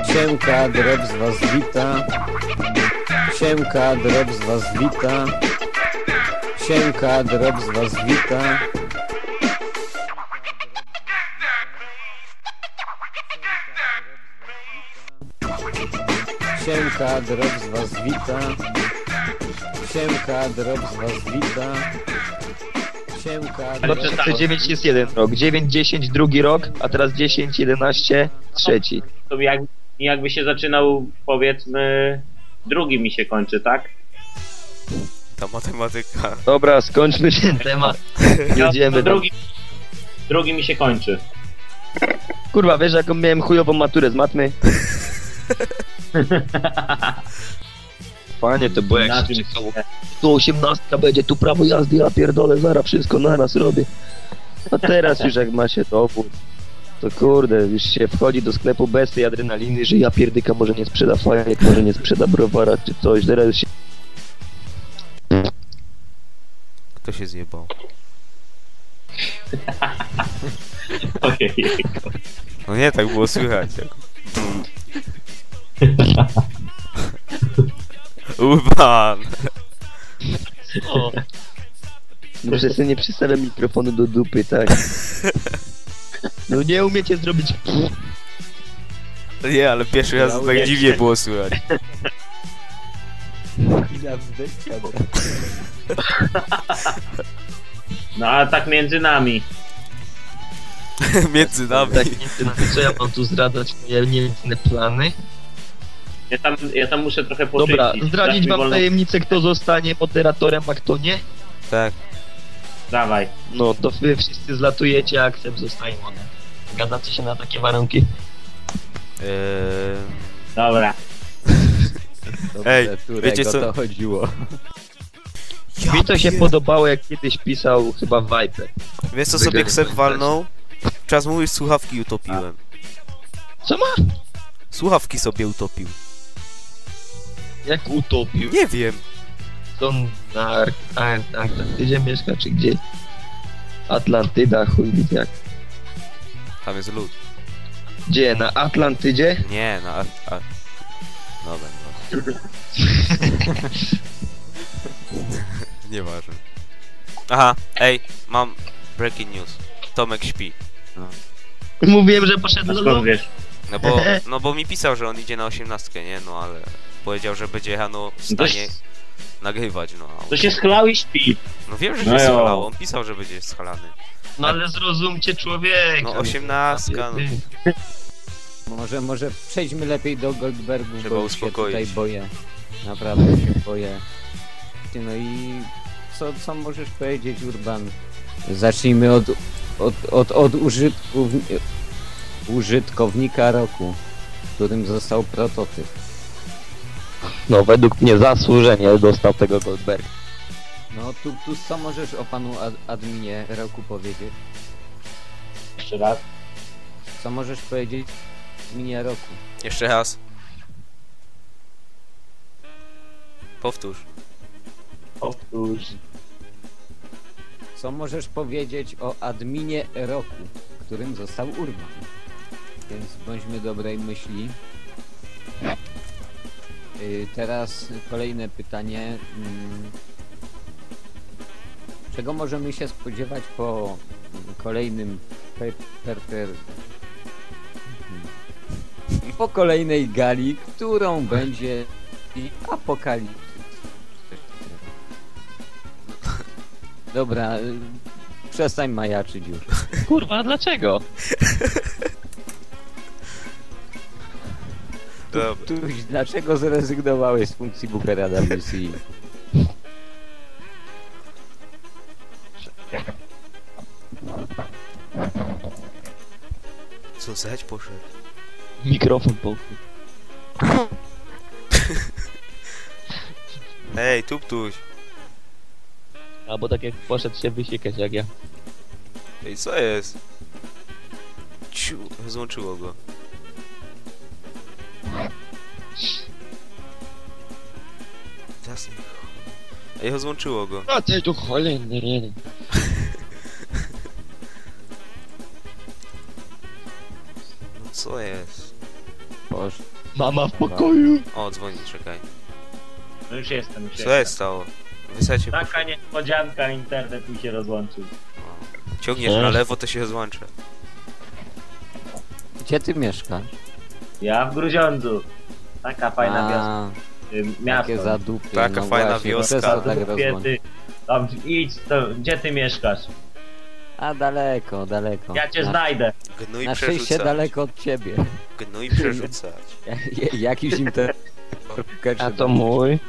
Siemka, Drop z was wita. Siemka, Drop z was wita. Siemka, Drop z was wita. Siemka, Drop z was wita. Siemka, Drop z was wita. Siemka, Drop... 2009 jest jeden rok, 9, 10 drugi rok, a teraz 10, 11 trzeci. To jakby się zaczynał, powiedzmy, drugi mi się kończy, tak? Ta matematyka. Dobra, skończmy ten temat. Jedziemy tam. Drugi mi się kończy. Kurwa, wiesz jaką miałem chujową maturę z matmy? Panie, to było jak się czekało. Tu 18 będzie, tu prawo jazdy, ja pierdolę, zaraz wszystko naraz robię. A teraz już jak ma się dowód, to kurde, już się wchodzi do sklepu bez tej adrenaliny, że ja pierdyka może nie sprzeda fajek, może nie sprzeda browara czy coś, teraz już się... Kto się zjebał? Ojej. No nie, tak było słychać. Tak. Urban! O. Może sobie nie przystawiam mikrofonu do dupy, tak? No nie umiecie zrobić... Nie, ale pierwszy raz tak dziwnie było słychać. No a tak między nami. Między nami. Tak, co ja mam tu zdradzać moje niemieckne plany? Ja tam muszę trochę poczyścić. Dobra, zdradzić wam tajemnicę, kto zostanie moderatorem, a kto nie? Tak. Dawaj. No, to wy wszyscy zlatujecie, a Ksep zostaje modem. Zgadzacie się na takie warunki? Dobra. Ej, wiecie co? To chodziło. Mi to się podobało, jak kiedyś pisał chyba Viper. Wiesz co sobie Ksep walnął? Czas mówisz, słuchawki utopiłem. Co ma? Słuchawki sobie utopił. Jak utopił? Nie wiem. To na Antarktydzie mieszka, czy gdzie? Atlantyda, chuj wie jak. Tam jest lód. Gdzie? Na Atlantydzie? Nie, na Dobra, no. Nieważne. Aha, ej, mam breaking news. Tomek śpi. Mówiłem, że poszedł A do skąd domu. wiesz? No bo mi pisał, że on idzie na 18, nie? No ale powiedział, że będzie Hano w stanie nagrywać, no. To się schlał i śpi. No wiem, że No się jo. schalał, on pisał, że będzie schalany. No ale zrozumcie człowieka. No 18, no. Może przejdźmy lepiej do Goldbergów, Trzeba bo uspokoić. się tutaj boję. Naprawdę się boję. No i co możesz powiedzieć, Urban? Zacznijmy od użytkownika roku, którym został prototyp. No według mnie zasłużenie dostał tego Goldberg. No tu co możesz o panu adminie roku powiedzieć? Jeszcze raz. Co możesz powiedzieć o adminie roku? Jeszcze raz. Powtórz. Powtórz. Co możesz powiedzieć o adminie roku, którym został Urban? Więc bądźmy dobrej myśli. Teraz kolejne pytanie. Czego możemy się spodziewać po kolejnym po kolejnej gali, którą będzie Apokalipsys? Dobra, przestań majaczyć już. Kurwa, dlaczego? Dobra. Tuś, dlaczego zrezygnowałeś z funkcji Bookera WC? Co, zać poszedł? Mikrofon pochód. Ej, tuptuś. Albo tak jak poszedł się wysiekać jak ja. Ej, co jest? Ciu, złączyło go. Jasne. Ej, złączyło go. A ty tu cholerny. No co jest? Boże. Mama w pokoju. O, dzwoni, czekaj. No już jestem, już Co jestem. jest stało? Wysadzie Taka niespodzianka, internet mi się rozłączył. Ciągniesz na lewo, to się rozłącza. Gdzie ty mieszkasz? Ja w Gruziądzu. Taka fajna wioska. Miasto. Takie zadupie. Taka fajna właśnie, wioska. przez to tak Zadupie, rozłącza. ty. Tam idź, to, gdzie ty mieszkasz? A daleko, daleko. Ja cię znajdę. Gnój Na szczęście przerzucać. daleko od ciebie. Gnój przerzucać. Jakiś internet. A to mój.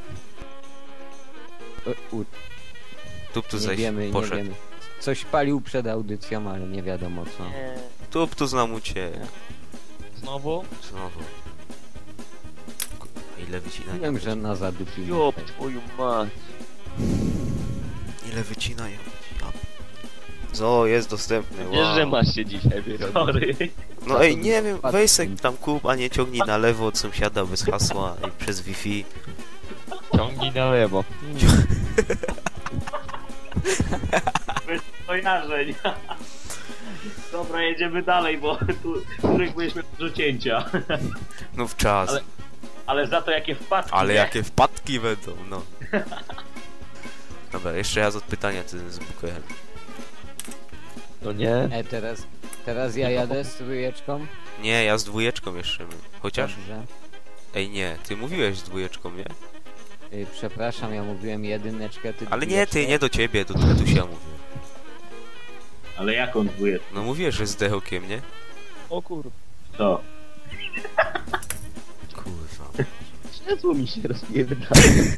Tuptus Nie zaś wiemy, nie poszedł. wiemy. Coś palił przed audycją, ale nie wiadomo co. Tuptus nam uciekł. Znowu? Znowu. Kurwa, ile wycinają? Wiem, że na zadupił. Jop, twoją mać. Ile wycinają? Ja- Zo, jest dostępny. Wiesz, że Wow. masz się dzisiaj wyrobić. Sorry. No ej, nie wiem, weź se tam kup, a nie ciągnij na lewo od sąsiada bez hasła i przez Wi-Fi. Ciągnij na lewo. Bez kojarzeń. Dobra, jedziemy dalej, bo tu których byliśmy do cięcia. No w czas. Ale za to jakie wpadki. Ale nie? jakie wpadki będą, no. Dobra, jeszcze raz od pytania ty z Bukojem. No nie? Teraz ja jadę z trójeczką. Nie, ja z dwójeczką jeszcze. Chociaż? Dobrze. Ej, nie, ty mówiłeś z dwójeczką, nie? Przepraszam, ja mówiłem jedyneczkę, ty Ale nie, dwójeczkę. ty, nie do ciebie, do Tatusia mówię. Ale jaką dwójkę? No mówię, że z dechokiem, nie? O kur... To. Kurwa. Krzesło mi się rozpierdala.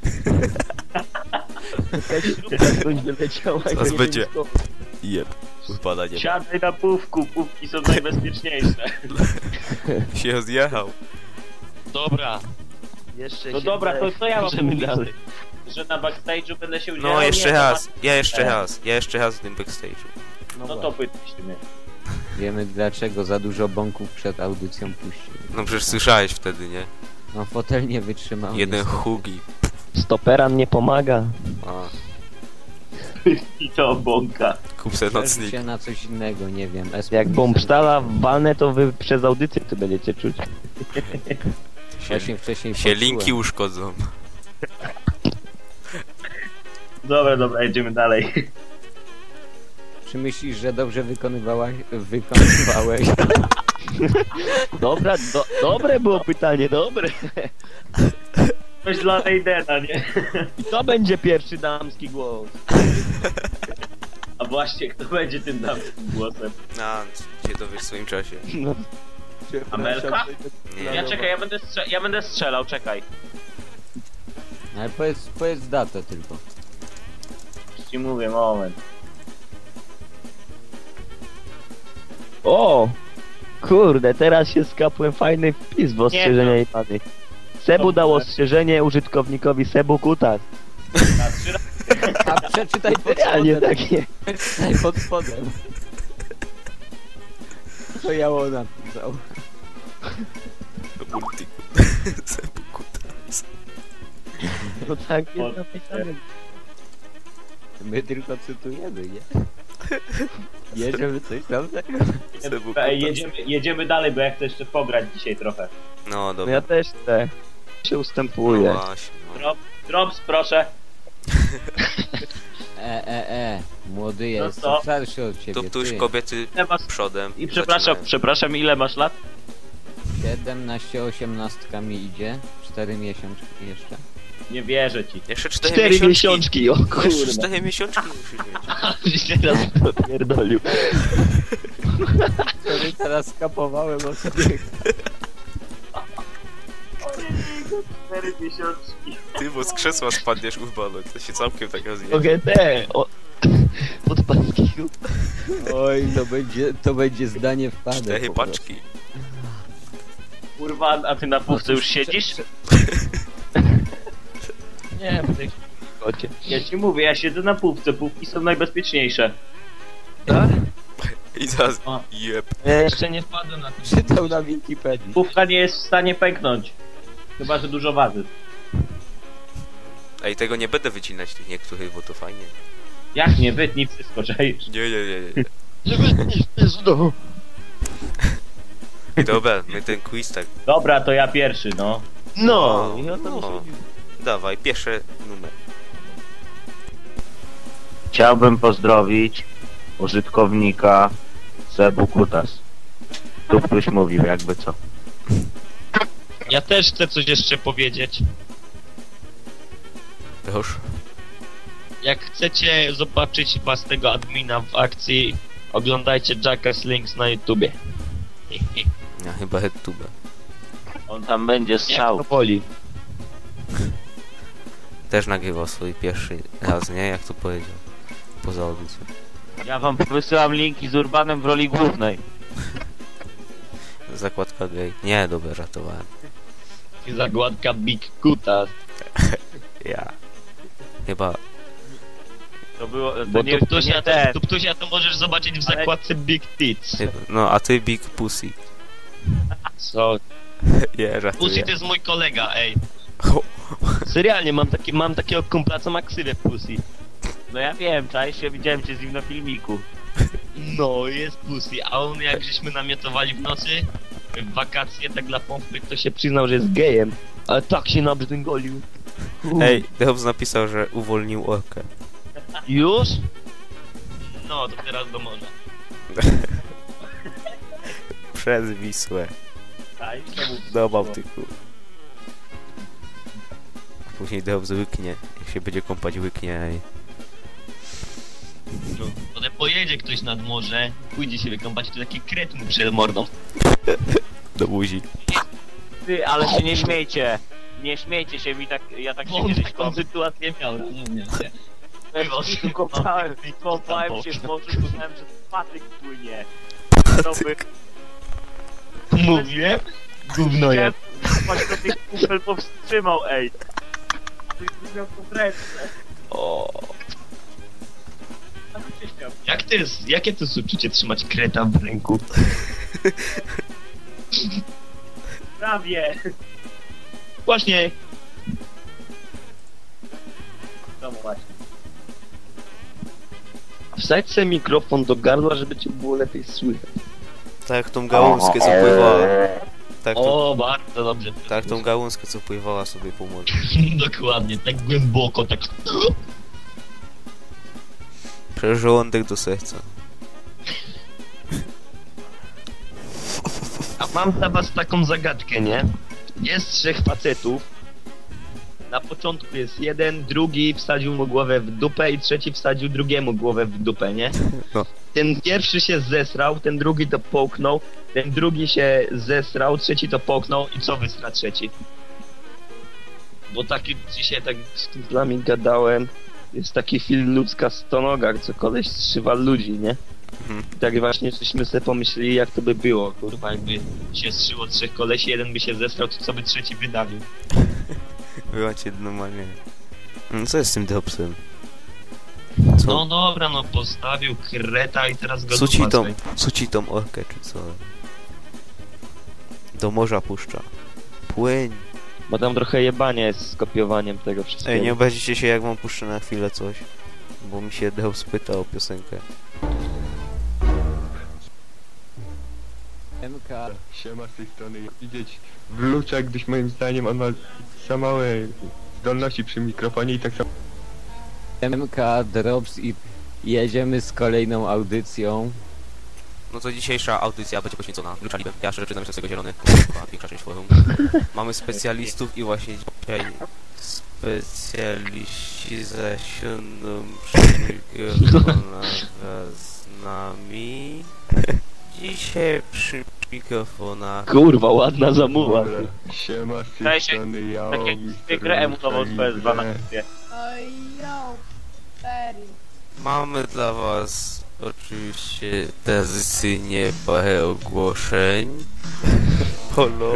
Jakaś śrubka skądś wyleciała. i Zaraz nie będzie. wiem skąd. Jeb. Wypada nie ma. Siadaj na pówku, pówki są najbezpieczniejsze. Się rozjechał. Dobra. Jeszcze No się dobra, to co ja mam Możemy mówić? dalej. Że na backstage'u będę się udzielał? No, jeszcze Nie, raz. Ja jeszcze Nie. raz. Ja jeszcze raz w tym backstage'u. No to właśnie. pytasz mnie. Wiemy dlaczego za dużo bąków przed audycją puścił. No przecież słyszałeś wtedy, nie? No fotel nie wytrzymał. Jeden niestety. hugi. Stoperan nie pomaga. A, I to bąka. kup se Przeżył nocnik. się na coś innego, nie wiem. Jak bombsztala walnę, to wy przez audycję to będziecie czuć. Właśnie wcześniej Się poczułem. linki uszkodzą. Dobra, jedziemy dalej. Czy myślisz, że dobrze wykonywałeś? Dobra, dobre było pytanie, dobre. Coś dla Raidena, nie? I to będzie pierwszy damski głos. A właśnie, kto będzie tym damskim głosem? A, cię dowiesz w swoim czasie. No. Amelka? Nie. Ja czekaj, ja będę strzelał, czekaj. Ale powiedz datę tylko. Już ci mówię, moment. O! Kurde, teraz się skapłem fajny wpis w ostrzeżenia i pany. Sebu dał ostrzeżenie użytkownikowi Sebu Kutas. Na 3 razy. A przeczytaj pod Realnie spodem. takie. Przeczytaj pod spodem. To ja napisał. No tak O, jest napisane. My tylko cytujemy, nie? Nie, żeby coś tam tego. Ej, jedziemy dalej, bo ja chcę jeszcze pograć dzisiaj trochę. No No dobra. ja też chcę. Się No ustępuję. właśnie. No. Drops, proszę. Młody jest, co? starszy od ciebie. To tuż ty. kobiety Ile masz... przodem. I zaczynają. przepraszam, ile masz lat? 17, 18 mi idzie. 4 miesiączki jeszcze. Nie wierzę ci. Jeszcze 4 4 miesiączki. miesiączki, o Jeszcze kurde. 4 miesiączki musisz mieć. Teraz to pierdolił. Wtedy teraz skapowałem o sobie. 4 miesiączki. Ty, bo z krzesła spadniesz urbano. To się całkiem tak rozjedzie. Mogę od pańskiego. Oj, to będzie zdanie wpadek. 4 po prostu. paczki. Kurwa, a ty na półce już siedzisz? Nie, w tej kocie. Ja ci mówię, ja siedzę na półce, półki są najbezpieczniejsze. I zaraz. O. Jeb. Ja jeszcze nie wpadłem na to. Czytał na Wikipedii. Półka nie jest w stanie pęknąć. Chyba, że dużo waży. Ej, tego nie będę wycinać tych niektórych, bo to fajnie. Jak nie, wytnij wszystko, czaisz. Nie. Żeby nie znowu. Dobra, my ten quiz tak. Dobra, to ja pierwszy, no. No, no. Dawaj, pierwszy numer. Chciałbym pozdrowić użytkownika Sebu Kutas. Tu ktoś mówił, jakby co. Ja też chcę coś jeszcze powiedzieć. Już. Jak chcecie zobaczyć własnego admina w akcji, oglądajcie Jackass Links na YouTubie. Ja chyba headtube. On tam będzie Jak strzał. to woli. Też nagrywał swój pierwszy raz, nie? Jak to powiedział. Poza audycją. Ja wam wysyłam linki z Urbanem w roli głównej. Zakładka gay. Nie, dobra, żartowałem. I zagładka Big Kutas. Ja. Chyba. To było... Bo nie, to Ptusia, nie ten. to Ptusia to możesz zobaczyć w Ale- zakładce Big Tits. No, a ty Big Pussy. Co? Nie, Pussy żartuję. to jest mój kolega, ej. O, Serialnie, mam takiego kumpla, co ma ksywę Pussy. No ja wiem, czaisz się, widziałem cię z nim na filmiku. No, jest Pussy, a on jak żeśmy namiotowali w nocy, w wakacje, tak dla pompy, to się przyznał, że jest gejem. Ale tak się nabrzdęgolił. Ej, Dehobs napisał, że uwolnił orkę. Już? No, to teraz do morza. Przez Wisłę. Daj, czemu? Do Bałtyku. Później Dehobs łyknie. Jak się będzie kąpać, łyknie. Ej. No, potem pojedzie ktoś nad morze, pójdzie się wykąpać, to taki kret mu przed mordą. Do buzi. Ty, ale się nie śmiejcie. Nie śmiejcie się, ja tak się On kiedyś taką sytuację miał, rozumiem, nie? kąpałem się w morzu, myślałem, że patyk płynie. To by... Mówiłem? Gówno Chciałem jest. paść do tych kufel powstrzymał, ej. Ty miał to w ręce. O. A tu się śmiał. Jakie to jest uczucie trzymać kreta w ręku? Prawie. Właśnie. No właśnie. Wsadź sobie mikrofon do gardła, żeby cię było lepiej słychać. Tak jak tą gałązkę, co pływała. Tak, O, bardzo dobrze. tak tą gałązkę, co pływała sobie po morzu. Dokładnie, tak głęboko, tak... Przez żołądek do serca. A mam dla was taką zagadkę, nie? Jest 3 facetów. Na początku jest jeden, drugi wsadził mu głowę w dupę i trzeci wsadził drugiemu głowę w dupę, nie? No. Ten pierwszy się zesrał, ten drugi to połknął, ten drugi się zesrał, trzeci to połknął i co wysra trzeci? Bo taki dzisiaj tak z kumplami gadałem, jest taki film Ludzka stonoga, co koleś strzywa ludzi, nie? Mhm. I tak właśnie żeśmy sobie pomyśleli, jak to by było, kurwa, jakby się strzyło 3 kolesi, jeden by się zesrał, to co by trzeci wydawił? Była cię normalnie. No co jest z tym Dehobsem? Co? No dobra, no postawił kreta i teraz go Suci tą orkę, czy co? Do morza puszcza. Płyń. Bo tam trochę jebanie jest z kopiowaniem tego wszystkiego. Ej, nie obrazicie się, jak wam puszczę na chwilę coś. Bo mi się Dehobs pyta o piosenkę. MK. Siema z tej strony. Widzieć w Lucza, gdyż moim zdaniem on ma za małe zdolności przy mikrofonie i tak samo MK Drops i jedziemy z kolejną audycją. No to dzisiejsza audycja będzie poświęcona Luczalibem. Ja szczerze przyznam, że jestem z tego zielony. Chyba większa część forum. Mamy specjalistów i właśnie dzisiaj specjaliści zasiądą przy mikrofonach z nami. Dzisiaj przy mikrofonach Kurwa, ładna zamuła. Dobra. Siema z tej Cześć, strony ja Tak jak zwykle emutował swoje 12. Oj, yo, Perry. mamy dla was oczywiście tradycyjnie parę ogłoszeń. Polo.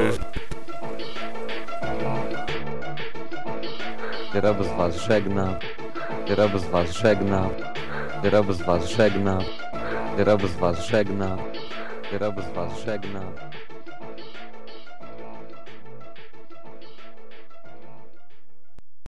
Drops was żegna. Drops was żegna. Drops was żegna. Drops was żegna. Drops was żegna.